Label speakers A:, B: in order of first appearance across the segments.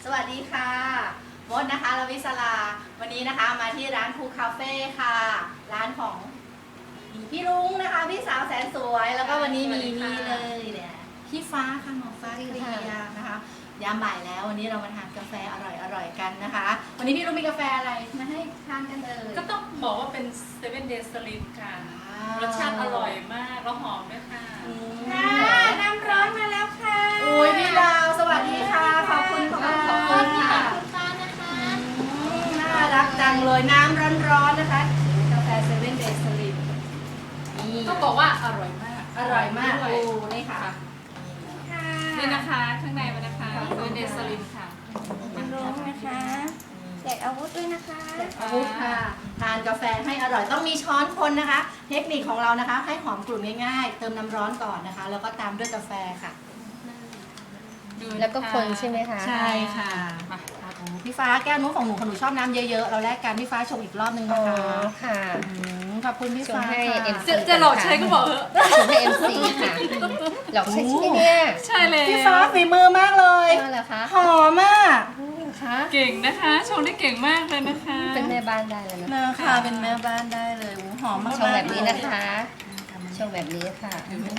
A: วัสดีค่ะมดนะคะลวิศราวันนี้นะคะมาที่ร้านคูคาเฟ่ค่ะร้านของพี่รุ้งนะคะพี่สาวแสนสวยแล้วก็วันนี้มีนี่เลยเนี่ยพี่ฟ้าค่ะหมอฟ้าเคลียร์นะคะยามบ่ายแล้ววันนี้เรามาทานกาแฟอร่อยกันนะคะวันนี้พี่รุ้งมีกาแฟอะไรมาให้ทานกันเลย
B: ก็ต้องบอกว่าเป็น Seven Days Slim ค่ะรสชาติอร่อยมากแล้วหอมด้วยค่ะ
C: น้ำร้อนมาแล้วค่ะ
A: อุ้ยพี่ดาวสวัสดีค่ะขอบคุณค่ะ
C: ขอบคุณค่ะคุณฟ้านะคะ
A: น่ารักจังเลยน้ำร้อนๆนะคะกาแฟเซเว่นเดย์สลิมนี่
B: ต้องบอกว่าอร่อยมาก
A: อร่อยมาก
B: ด้ว
A: โอ้นี่ค่ะ
B: นี่นะคะข้างในมันนะคะ Seven Days Slim ค่ะ
C: น้ำร้อนนะคะแจกอาวุธด้วยนะคะ
A: อาวุธค่ะทานกาแฟให้อร่อยต้องมีช้อนคนนะคะ เทคนิคของเรานะคะ ให้หอมกลุ่นง่ายๆ เติมน้ำร้อนก่อนนะคะ แล้วก็ตามด้วยกาแฟค่ะ
C: แล้วก็คนใช่ไหมคะ
A: ใช่ค่ะโอ้พี่ฟ้าแก้วนู้นของหนูชอบน้ำเยอะๆเราแลกกันพี่ฟ้าชงอีกรอบนึง
C: อ๋
A: นะ
C: อ
A: คะ
C: ค่ะ
A: ขอบคุณพี่ฟ้า
C: ชงให้
A: ค่ะ
C: MC
B: จะหลอกใช้ก็บอกเถอะ
C: ชมให้ MC ค่ะหลอกใช้ใช่ไหมเนี่ย
B: ใช่เลย
A: พี่ฟ้าฝีมือมากเลย
C: ว่าเหรอคะ
A: หอมมาก
C: คะ
B: เก่งนะคะชงได้เก่งมากเลยนะคะ
C: เป็นแม่บ้านได้เลยนะ
A: นะคะเป็นแม่บ้านได้เลยโอ้หอมมาก
C: ชงแบบนี้นะคะชงแบบนี้ค่ะ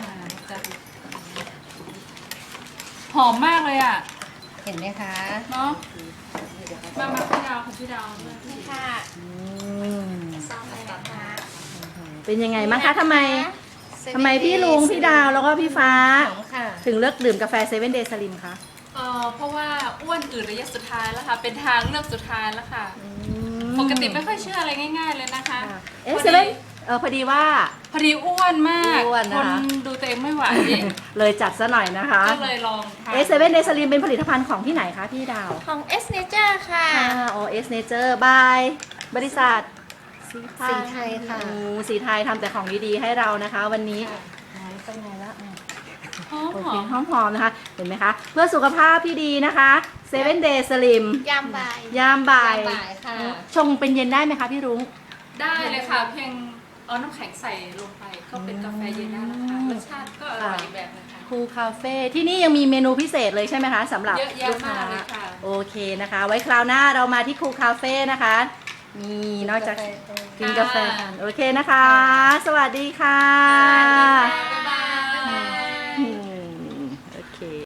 B: หอมมากเลยอ่ะ
C: เห็นไหมคะ
B: เนาะมาพี่ดาวของพี่ดาว
C: ค่ะ
A: เป็นยังไงบ้างคะทำไมพี่ลุงพี่ดาวแล้วก็พี่ฟ้า
C: หอมค่ะ
A: ถึงเลือกดื่มกาแฟเซเว่นเดย์สลิมคะ
B: เพราะว่าอ้วนอื่นระยะสุดท้ายแล้วค่ะ เป็นทางเลือกสุดท้ายแล้วค่ะ ปกติไม่ค่อยเชื่ออะไรง่ายๆเลยนะคะ
A: เอ๊ะเซเว่นพอดีว่า
B: พอดีอ้วนมาก
A: อ้วนนะคะ
B: คนดูตัวเองไม่ไหว
A: เลยจัดซะหน่อยนะคะ
B: ก็เลยลองทาน
A: เซเว่นเดย์สลิมเป็นผลิตภัณฑ์ของที่ไหนคะพี่ดาว
C: ของ S Nature ค่ะ
A: โอเอสเนเจอร์บายบริษัทสีไท
C: สีไทยค่ะ
A: สีไทยทำแต่ของดีๆให้เรานะคะ วันนี้ไปไหนละ
B: หอม
A: โอ
B: ห
A: เค
B: อม
A: หอมๆนะคะ เห็นไหมคะ เพื่อสุขภาพที่ดีนะคะเซเว่นเดย์สลิม
C: ยามบ่าย
A: ยามบ่าย
C: บ่ายค่ะ
A: ชงเป็นเย็นได้ไหมคะพี่รุ้ง
B: ได้เลยค่ะ เพียงเอาน้ำแข็งใส่ลงไปก็เป็นกาแฟเย็นได้แล้วค่ะรสชาติก็อร่อยอีกแบบนะคะ
A: คูคาเฟ่ที่นี่ยังมีเมนูพิเศษเลยใช่ไหมคะสำหรับ
B: เยอะแยะ
A: ลูกค้าม
B: ากเลยค่ะ
A: โอเคนะคะ ไว้คราวหน้าเรามาที่คูคาเฟ่นะคะนี่นอกจากกินกาแฟกันโอเคนะคะ สวัสดีค่ะ
B: บ๊ายบาย